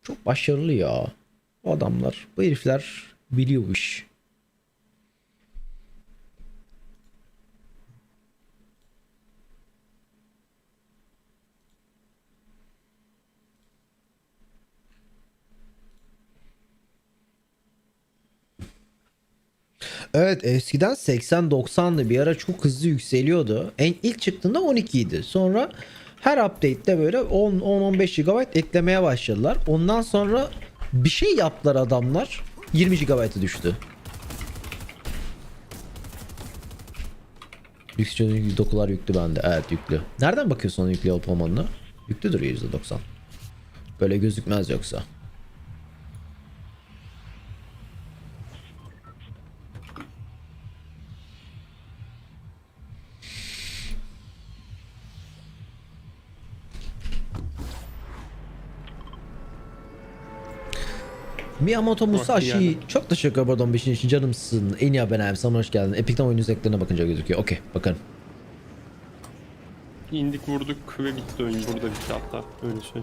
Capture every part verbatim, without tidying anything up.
Çok başarılı ya. O adamlar, bu herifler biliyor bu iş. Evet, eskiden seksen doksandı, bir ara çok hızlı yükseliyordu. En ilk çıktığında on iki idi. Sonra her update'te böyle on on beş gigabayt eklemeye başladılar. Ondan sonra bir şey yaptılar adamlar. yirmi gigabayta düştü. Yüksek dokular yüklü bende. Evet, yüklü. Nereden bakıyorsun onun yüklü olup olmadığına? Yüklüdür yüzde doksan. Böyle gözükmez yoksa. Miyamoto Musashi çok teşekkür ederim beşinci için canımsın. En iyi haber sana hoş geldin. Epic'ten oyun özelliklerine bakınca gözüküyor. Okey, bakalım. İndik vurduk ve bitti oyun. Burada bitti hatta. Öyle şey.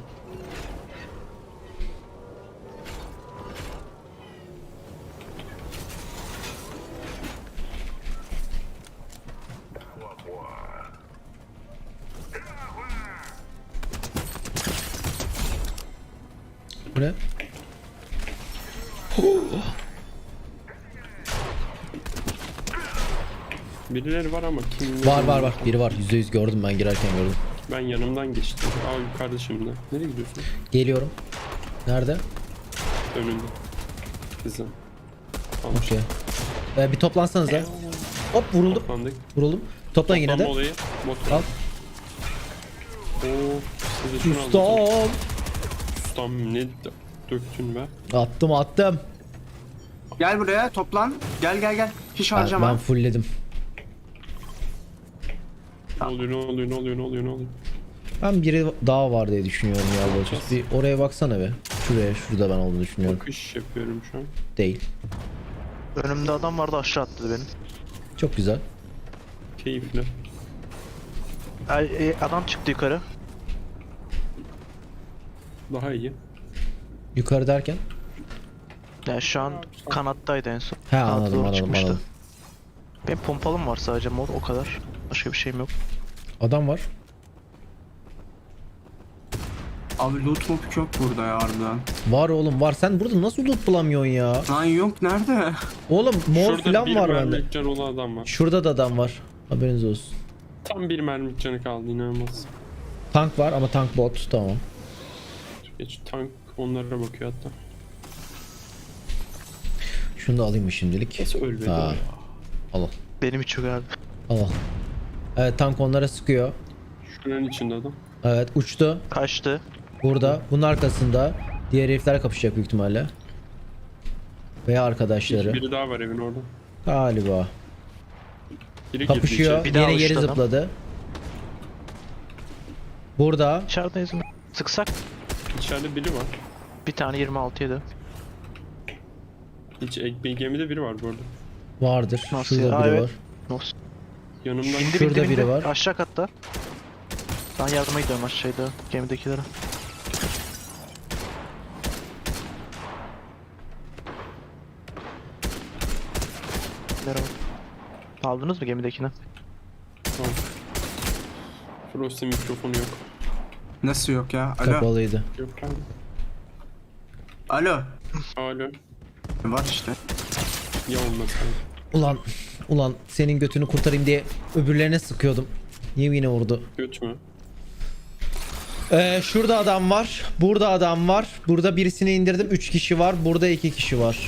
Bu ne? Birileri var ama kim? Var var var. Biri var. yüzde yüz gördüm, ben girerken gördüm. Ben yanımdan geçtim. Aa, yukarıda şimdi. Nereye gidiyorsun? Geliyorum. Nerede? Önünde. Kızım. Tamam. Okey. Ee, bir toplansanıza. Hop, vuruldum. Toplandık. Vuruldum. Toplan yine de. Toplanma olayı. Bot. Al. Oo. Size şunu aldım. Ustam. Ustam ne dö- döktün be? Attım attım. Gel buraya toplan. Gel gel gel. Hiç Ben, harcama. ben fullledim. Ne oluyor ne oluyor ne oluyor ne oluyor ne oluyor? Ben biri daha var diye düşünüyorum ya Bolçuz. Bir oraya baksana be. Şuraya, şurada ben olduğunu düşünüyorum. Bakış yapıyorum şu an. Değil. Önümde adam vardı, aşağı attı benim. Çok güzel. Keyifli. Ay, e, adam çıktı yukarı. Daha iyi. Yukarı derken? Yani şu an kanattaydı en son. He, Kanata anladım doğru anladım çıkmıştı. anladım. Benim pompalım var sadece mor, o kadar. Başka bir şeyim yok. Adam var. Abi loot mob yok burada ya harbiden. Var oğlum var. Sen burada nasıl loot bulamıyorsun ya? Lan yok nerede? Oğlum mor Şurada falan bir var bende. mermilik canı olan adam var. Şurada da adam var. Haberiniz olsun. Tam bir mermilik canı kaldı, inanılmaz. Tank var ama tank bot, tamam. Geç tank onlara bakıyor hatta. Şunu da alayım mı şimdilik? Nasıl ölmedi o Ha. ya? Al al. Benim hiç yok abi. Al al. Evet, tank onlara sıkıyor. Şuranın içinde adam. Evet, uçtu. Kaçtı. Burada. Bunun arkasında. Diğer herifler kapışacak büyük ihtimalle. Veya arkadaşları. Biri daha var evin orada. Galiba. Biri Kapışıyor. girdi Bir daha Yine geri uçtu adam. zıpladı. Burada. İçerideyiz mi? Sıksak içeri. İçeride biri var. bir tane yirmi altı yedi. Hiç ek- bir gemide biri var bu arada. Vardır. Nasıl Şurada ya? biri Evet. var. Olsun. Yanımdan İndi Şurada bindi biri bindi. var. Aşağı katta. Ben yardıma gidiyorum aşağıda gemidekilere. Merhaba. Aldınız mı gemidekini? Tamam. Frost'in mikrofonu yok. Nasıl yok ya? Alo. Kapalıydı. Yok abi. Alo. Alo. Var işte. Ya olmasaydı. Ulan. Ulan senin götünü kurtarayım diye öbürlerine sıkıyordum. Niye yine vurdu? Göt mü? Ee, şurada adam var. Burada adam var. Burada birisini indirdim. üç kişi var. Burada iki kişi var.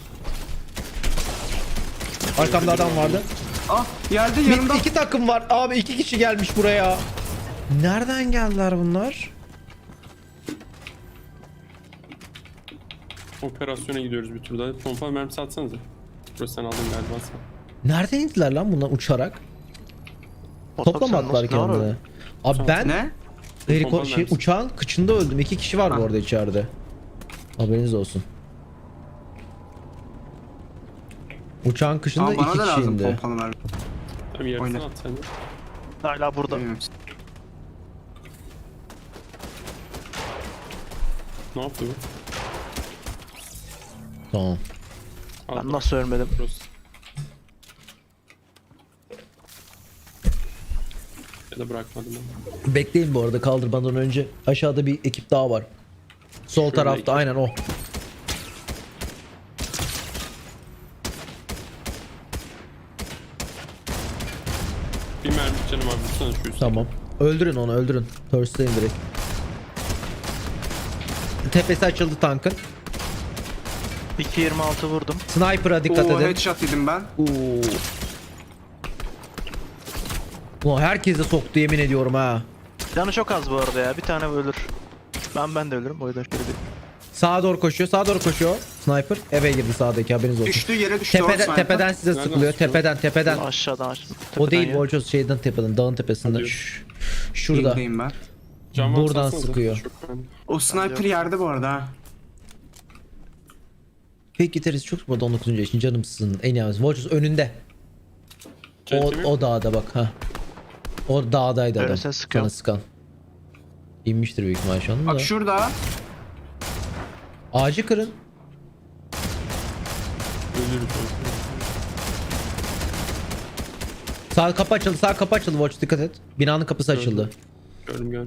Arkamda adam vardı. Ah geldi Bir, yanımda. iki takım var. Abi iki kişi gelmiş buraya. Nereden geldiler bunlar? Operasyona gidiyoruz bir tur daha. Pompa mermisi atsanıza. Burası sen aldın galiba sen. Nereden indiler lan bunlar uçarak? Toplamadılar kendini. Abi ben Ne? heliko Pompalı şey, mermisi. uçağın kıçında öldüm. İki kişi var bu Ha. arada içeride. Haberiniz olsun. Uçağın kışında Aa, bana iki da kişi lazım indi. pompalı mermi. Tamam yarısını Oyna. at sen de. Hala burada. Bilmiyorum. Ne yaptı bu? Tamam. Al. Ben nasıl ölmedim? Burası. Ya da bırakmadım ben. Bekleyin bu arada kaldırmadan önce. Aşağıda bir ekip daha var. Sol Şöyle tarafta iki. aynen o. Bir mermi canım abi. Vursana şu üstüne. Tamam. Öldürün onu öldürün. Thirst'layın direkt. Tepesi açıldı tankın. iki yirmi altı vurdum. Sniper'a dikkat Oo edin. headshot yedim ben. Oo. Ulan herkese soktu yemin ediyorum ha. Canı çok az bu arada ya. Bir tane ölür. Ben ben de ölürüm. O yüzden şöyle bir... Sağa doğru koşuyor. Sağa doğru koşuyor. Sniper eve girdi sağdaki haberiniz olsun. Düştü yere düştü. o Tepeden, sniper. tepeden size Nereden sıkılıyor. sıkıyor? Tepeden tepeden. Aşağıdan aşağıdan. O değil Tepeden Volchos şeyden tepeden dağın tepesinden. Hadi. Şş, şurada. Yerdeyim ben. Can varsa Buradan atsanıza. sıkıyor. Çok önemli. O sniper yerde bu arada ha. Fake gitarist çok sıkmadı on dokuzuncu yaşın canımsın en yalnız. Volchos önünde. O, Cennet mi? o dağda bak ha. O dağdaydı adam. Öylesine sıkıyor. Sana sıkan. İnmiştir büyük ihtimal şu anda Bak da. şurada. Ağacı kırın. Ölürüm. Sağ kapı açıldı. Sağ kapı açıldı Volchos dikkat et. Binanın kapısı açıldı. Gördüm gördüm.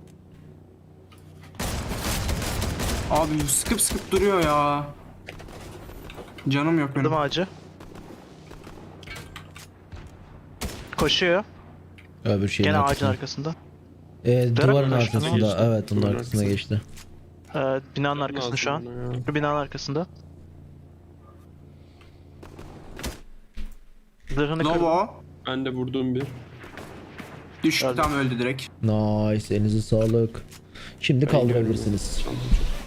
Abi sıkıp sıkıp duruyor ya. Canım yok benim. Vurdum ağacı. Koşuyor. Öbür şeyin Gene ağacın arkasında. arkasında. Ee, duvarın arkasına arkasında. geçti. Evet onun Duvarın arkasına arkasına. geçti. Ee, binanın arkasında şu an. Lazım bana ya. Şu binanın arkasında. Zırhını kırdım. Lobo. Ben de vurduğum bir. Düştü Öldü. tam öldü direkt. Nice elinize sağlık. Şimdi Ben kaldırabilirsiniz. gördüm.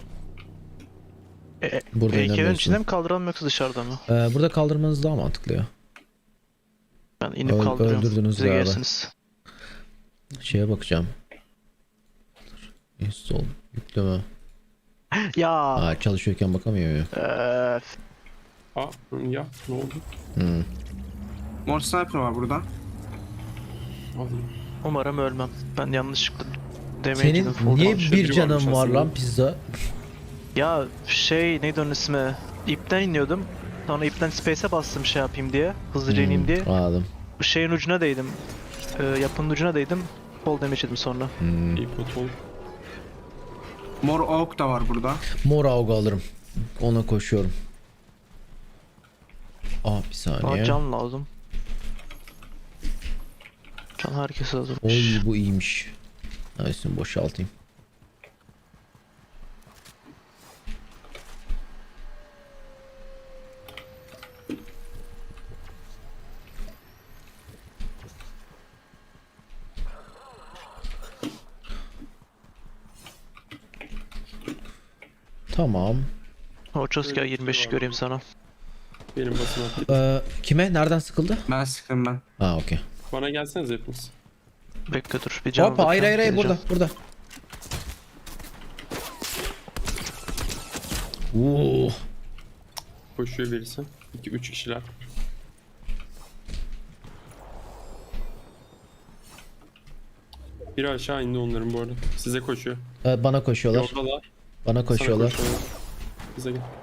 E, e, Burada Heykelin inanmıyorsun. içinde mi kaldıralım yoksa dışarıda mı? Ee, burada kaldırmanız daha mantıklı ya. Ben inip Öl- kaldırıyorum. öldürdünüz Size galiba. gelirsiniz. Şeye bakacağım. Install. Yükleme. Ya. Aa, çalışıyorken bakamıyor ya. Eee, Aa ya ne oldu? Hmm. Mor sniper var burada. Alayım. umarım ölmem. Ben yanlışlıkla Senin damage'ini full niye almışım. bir biri canın varmış var aslında. lan pizza? Ya şey neydi onun ismi? İpten iniyordum. Sonra ipten space'e bastım şey yapayım diye. Hızlıca ineyim diye. Hmm, anladım. Şeyin ucuna değdim. Ee, yapının ucuna değdim. Fall damage yedim sonra. Hmm. İyi pot ol. Mor oak da var burada. Mor avga alırım. Ona koşuyorum. Aa bir Bana saniye. can lazım. Can herkese lazım. Oy bu iyiymiş. Nice'ını boşaltayım. Tamam. Orços gel yirmi beş göreyim sana. Benim basın attı. Ee, kime? Nereden sıkıldı? Ben sıktım ben. Ha okey. Bana gelsenize hepiniz. Bekle dur bir can Hop hayır hayır hayır burada burada. Oo. Koşuyor birisi. iki üç kişiler. Biri aşağı indi onların bu arada. Size koşuyor. Ee, bana koşuyorlar. Yoldalar. Bana Sana koşuyorlar. koşuyorlar. Bize gel.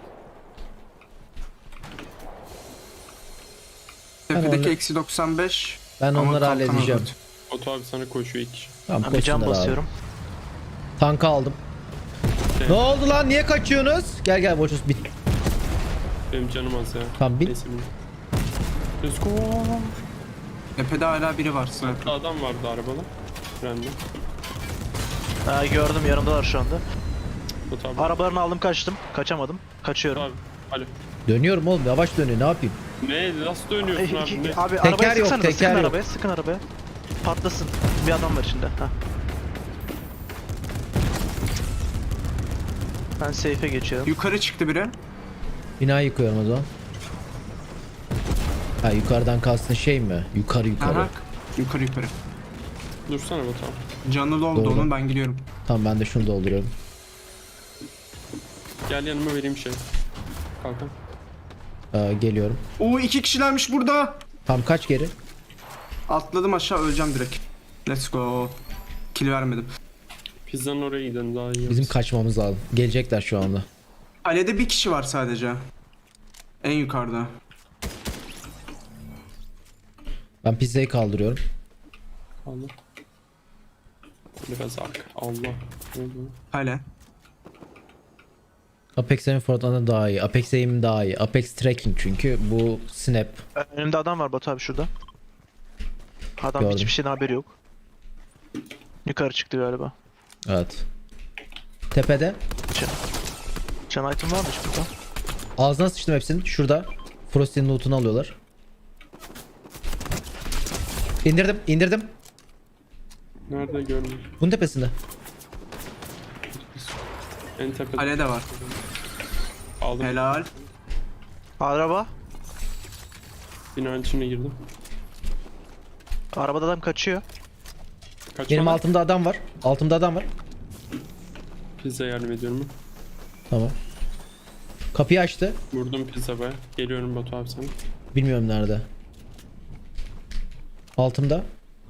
Tepedeki onları- eksi doksan beş. Ben Ama onları kalkan halledeceğim. aldı. Oto abi sana koşuyor iki kişi. Tamam Ben bir can koşsunlar abi. basıyorum. Tanka aldım. Şey, Ne oldu lan? Niye kaçıyorsunuz? Gel gel Boçuz bit. Benim canım az ya. Tamam bin. Neyse bin. Let's go. Tepede hala biri var sniper. Adam vardı arabalı. Frende. Ha, gördüm yanımdalar şu anda. Oto abi. Arabalarını aldım kaçtım. Kaçamadım. Kaçıyorum. Abi. Alo. Dönüyorum oğlum yavaş dönüyor ne yapayım? Ne? Nasıl dönüyorsun Ey, abi? Ne? abi Teker arabaya yok, sıksana teker sıkın yok. arabaya sıkın arabaya. Patlasın. Bir adam var içinde. Heh. Ben safe'e geçiyorum. Yukarı çıktı biri. Binayı yıkıyorum o zaman. Ha yukarıdan kastın şey mi? Yukarı yukarı. Aha. Yukarı yukarı. Dursana Batu abi. Canlı oldu Doğru. onun ben gidiyorum. Tamam ben de şunu dolduruyorum. Gel yanıma vereyim şey. Kalkan. Ee, geliyorum. Oo iki kişilermiş burada. Tam kaç geri? Atladım aşağı öleceğim direkt. Let's go. Kill vermedim. Pizzanın oraya gidelim daha iyi. Bizim olur. kaçmamız lazım. Gelecekler şu anda. Kalede bir kişi var sadece. En yukarıda. Ben pizzayı kaldırıyorum. Allah. Biraz arka. Allah. Ne oldu? Hala. Apex Aim Fortnite'dan daha iyi. Apex Aim daha iyi. Apex Tracking çünkü bu snap. Önümde adam var Batu abi şurada. Adam Gördüm. hiçbir şeyden haberi yok. Yukarı çıktı galiba. Evet. Tepede. Can, can item varmış burada. Ağzına sıçtım hepsinin. Şurada. Frosty'nin loot'unu alıyorlar. İndirdim, indirdim. Nerede görmüyorum. Bunun tepesinde. En tepede. Hala de var. Aldım. Helal. Araba. Binanın içine girdim. Arabada adam kaçıyor. Kaçma Benim lan. altımda adam var. Altımda adam var. Pizza yardım ediyorum. Tamam. Kapıyı açtı. Vurdum pizza be. Geliyorum Batu abi sana. Bilmiyorum nerede. Altımda.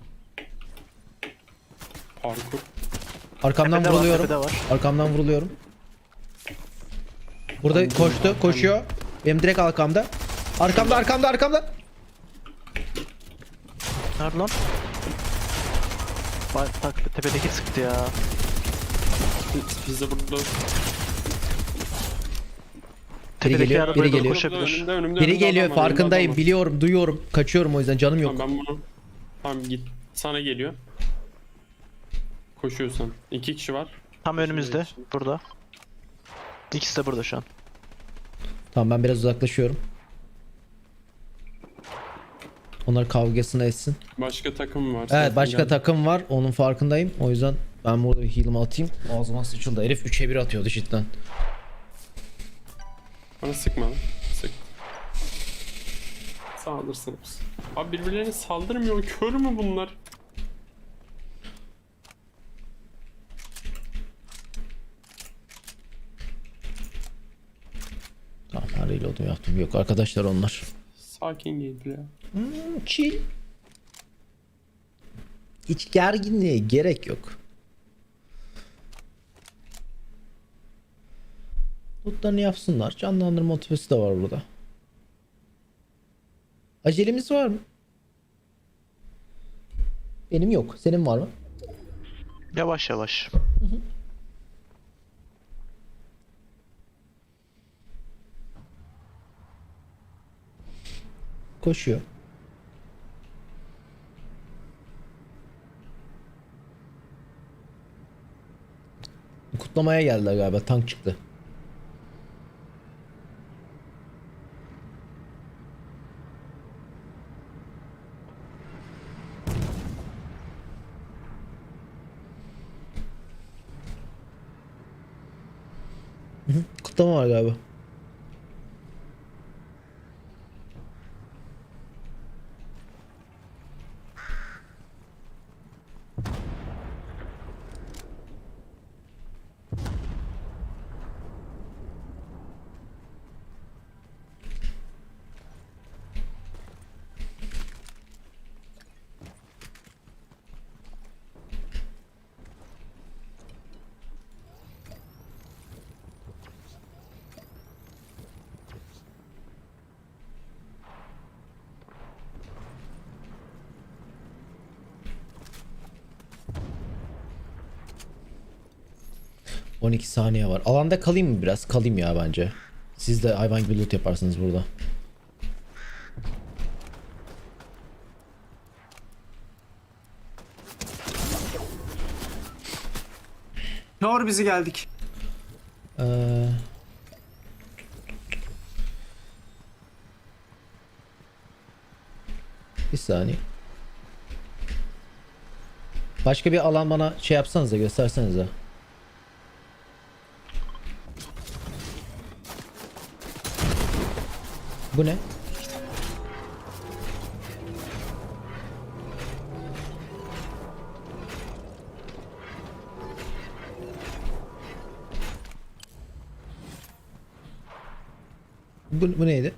Parkur. Arkamdan Tepede var, vuruluyorum. tepede var. Arkamdan vuruluyorum. Burada koştu, koşuyor. Benim direkt arkamda. Arkamda, arkamda, arkamda. Nerede lan? Bak bak tepedeki sıktı ya. Pizza burada. Tepedeki geliyor, arabaya biri doğru geliyor. koşabilir. Önümde, önümde, Biri önümde geliyor, adam var, önümde farkındayım, adam var. biliyorum, duyuyorum. Kaçıyorum o yüzden canım yok. Tamam ben bunu. Tamam git. Sana geliyor. Koşuyorsun. İki kişi var. Tam önümüzde. Burada. İkisi de burada şu an. Tamam ben biraz uzaklaşıyorum. Onlar kavgasını etsin. Başka takım var. Evet Zaten başka geldi. takım var. Onun farkındayım. O yüzden ben burada bir heal'ımı atayım. Ağzıma sıçıldı. Herif üçe bir atıyordu cidden. Bana sıkma lan. Sık. Saldırsınız. Abi birbirlerine saldırmıyor. Kör mü bunlar? Tamam ben reload'um yaptım. Yok arkadaşlar onlar. Sakin geldi ya. Hmm, chill. Hiç gerginliğe gerek yok. Lootlarını yapsınlar. Canlandırma motivesi de var burada. Acelemiz var mı? Benim yok. Senin var mı? Yavaş yavaş. Koşuyor. Kutlamaya geldiler galiba. Tank çıktı. Hı hı, kutlama var galiba. on iki saniye var. Alanda kalayım mı biraz? Kalayım ya bence. Siz de hayvan gibi loot yaparsınız burada. Doğru bizi geldik. Ee... Bir saniye. Başka bir alan bana şey yapsanız da gösterseniz de. Bu ne? Bu, bu neydi?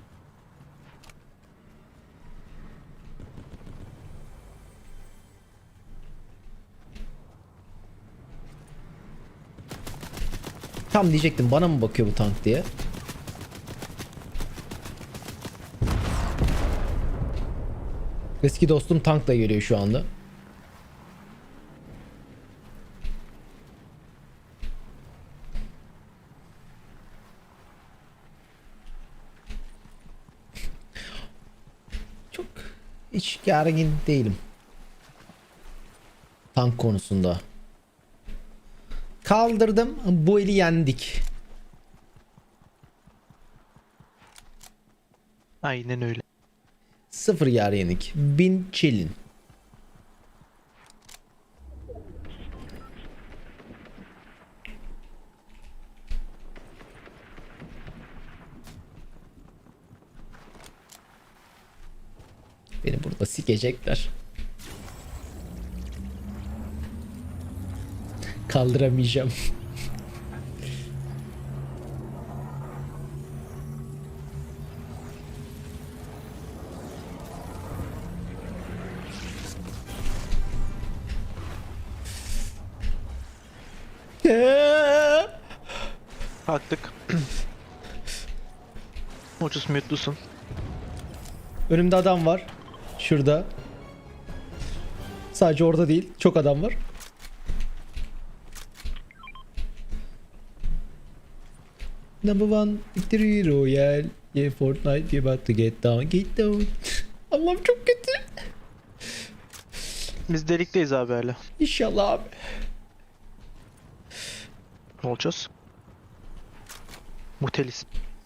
Tam diyecektim bana mı bakıyor bu tank diye. Eski dostum tankla geliyor şu anda. Çok hiç gergin değilim. Tank konusunda. Kaldırdım. Bu eli yendik. Aynen öyle. Sıfır yer yenik. Bin chillin. Beni burada sikecekler. Kaldıramayacağım. Kalktık. Ucuz mute'lusun. Önümde adam var. Şurada. Sadece orada değil. Çok adam var. Number one victory royale. Yeah, Fortnite you about to get down. Get down. Allah'ım çok kötü. Biz delikteyiz abi hala. İnşallah abi. Ne olacağız? Muhtelis.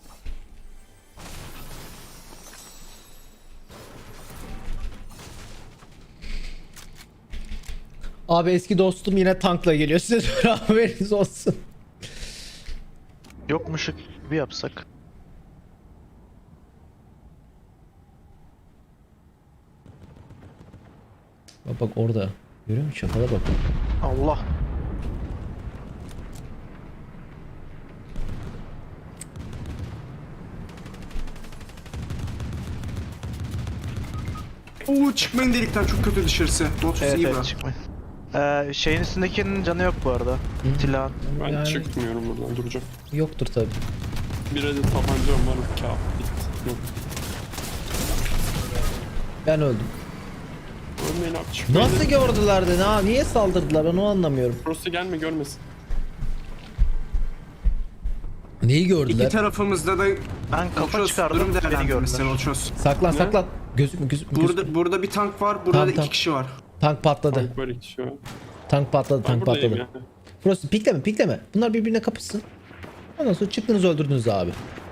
Abi eski dostum yine tankla geliyor. Size de haberiniz olsun. Yokmuş bir yapsak. Bak bak orada. Görüyor musun? Çakala bak. Allah. Oo çıkmayın delikten, çok kötü dışarısı. Lotus Evet iyi evet bırak. çıkmayın. Ee, şeyin üstündekinin canı yok bu arada. Silahın. Ben Yani- çıkmıyorum buradan, duracağım. Yoktur tabi. Bir adet tabancam var, kağıt bitti. Yok. Ben öldüm. Ölmeyin abi, çıkmayın. Nasıl gördüler de? Ha, niye saldırdılar? Ben onu anlamıyorum. Burası gelme, görmesin. Neyi İki gördüler? tarafımızda da Ben kafa Lotus, çıkardım, durum beni değerlendirmesi gördüler. Lotus. Saklan Ne? saklan. Gözükme gözükme. gözükme. Burada burada bir tank var, burada Tamam, da iki tamam. kişi var. Tank patladı. Tank var iki şu an. Tank patladı. Ben Tank buradayım patladı. yani. Burası pikleme pikleme. Bunlar birbirine kapışsın. Ondan sonra çıktınız öldürdünüz abi.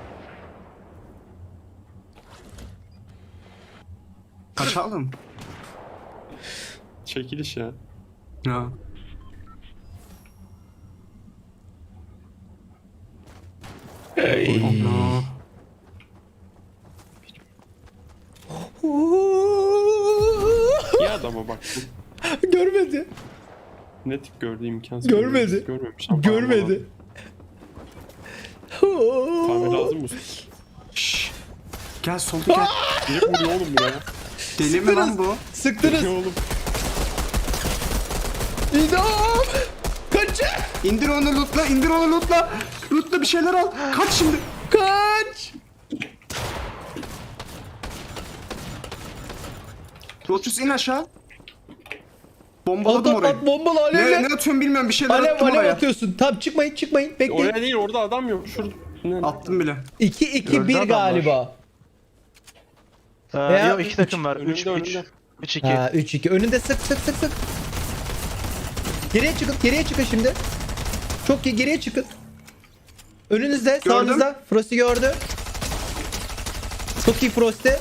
Kaçalım. Çekiliş ya. Ya. Allah. İyi adama bak. Görmedi. Ne tip gördü, imkansız. Görmedi. Görmemiş. ama Görmedi. Kahve lazım mı? Şşş. Gel solda gel. Niye vuruyor oğlum buraya? Deli mi lan bu? Sıktınız. Ne oğlum? İdam. Kaçın. İndir onu lootla, indir onu lootla. Lootla bir şeyler al. Kaç şimdi. Kaç. Lotus in aşağı. Bombaladım At at orayı. at bombalı Ne, alevle. ne atıyorum bilmiyorum, bir şeyler Alev attım alev oraya. atıyorsun. Tamam çıkmayın çıkmayın. Bekleyin. Oraya değil, orada adam yok. Şurada. Ne? Attım bile. iki iki Gördü bir adamlar. galiba. Ee, Veya yok iki takım var. Önünde, üç üç. önünde. üç iki. Ha üç iki. Önünde sık sık sık sık. Geriye çıkın. Geriye çıkın şimdi. Çok iyi, geriye çıkın. Önünüzde, Gördüm. sağınızda. Frost'i gördü. Çok iyi Frost'i.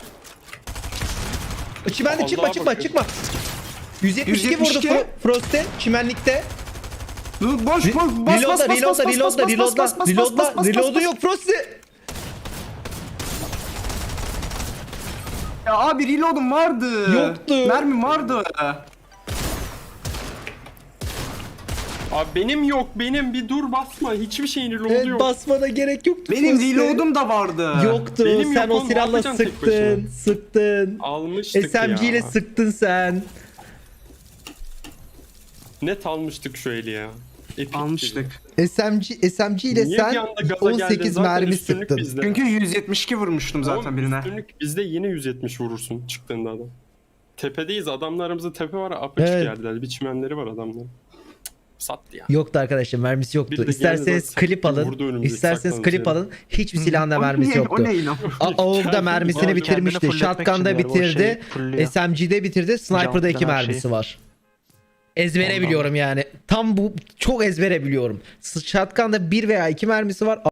Çimende Allah'a çıkma çıkma bakıyorum. çıkma. yüz yetmiş iki yüz yetmiş iki. vurdu Fro- Frost'i çimenlikte. Dur boş Re- boş bas bas Reloadla, bas bas reloadla, bas reloadla, bas reloadla, bas bas reloadla, bas bas reload'u bas. yok Frost'i. Ya abi reload'um vardı. Yoktu. Mermim vardı. Abi benim yok, benim. Bir dur, basma. Hiçbir şeyin reload'u Evet, yok. basmana gerek yoktu. Benim Frost'i. reload'um da vardı. Yoktu. Benim Sen yok o oğlum, ne silahla yapacaksın tek sıktın, başına? sıktın. Almıştık S M G ile ya. sıktın sen. Net almıştık şu eli ya. Epic Almıştık. S M G S M G ile Niye bir sen anda gaza on geldin? sekiz Zaten mermi üstünlük sıktın. bizde. Çünkü yüz yetmiş iki vurmuştum zaten Oğlum, birine. üstünlük bizde, yine yüz yetmiş vurursun çıktığında adam. tepedeyiz. Adamlarımızın tepe var. Apaçık Evet. yerler. Bir çimenleri var adamların. Sattı ya. Yoktu arkadaşlar, mermisi yoktu. Bir de geldi İsterseniz bak, klip vurdu alın. önümüze, İsterseniz saklandı klip yere. alın. Hiçbir silahında O mermisi ne? yoktu. O ne inan? A- AUG'da Kendini- mermisini Kendini bitirmişti. fulletmek Shotgun'da için galiba o bitirdi. şey fulluyor. S M G'de bitirdi. Sniper'da iki Jump'tan her mermisi şeyi. var. Ezbere Ondan. biliyorum yani. Tam bu çok ezbere biliyorum. Shotgun'da bir veya iki mermisi var.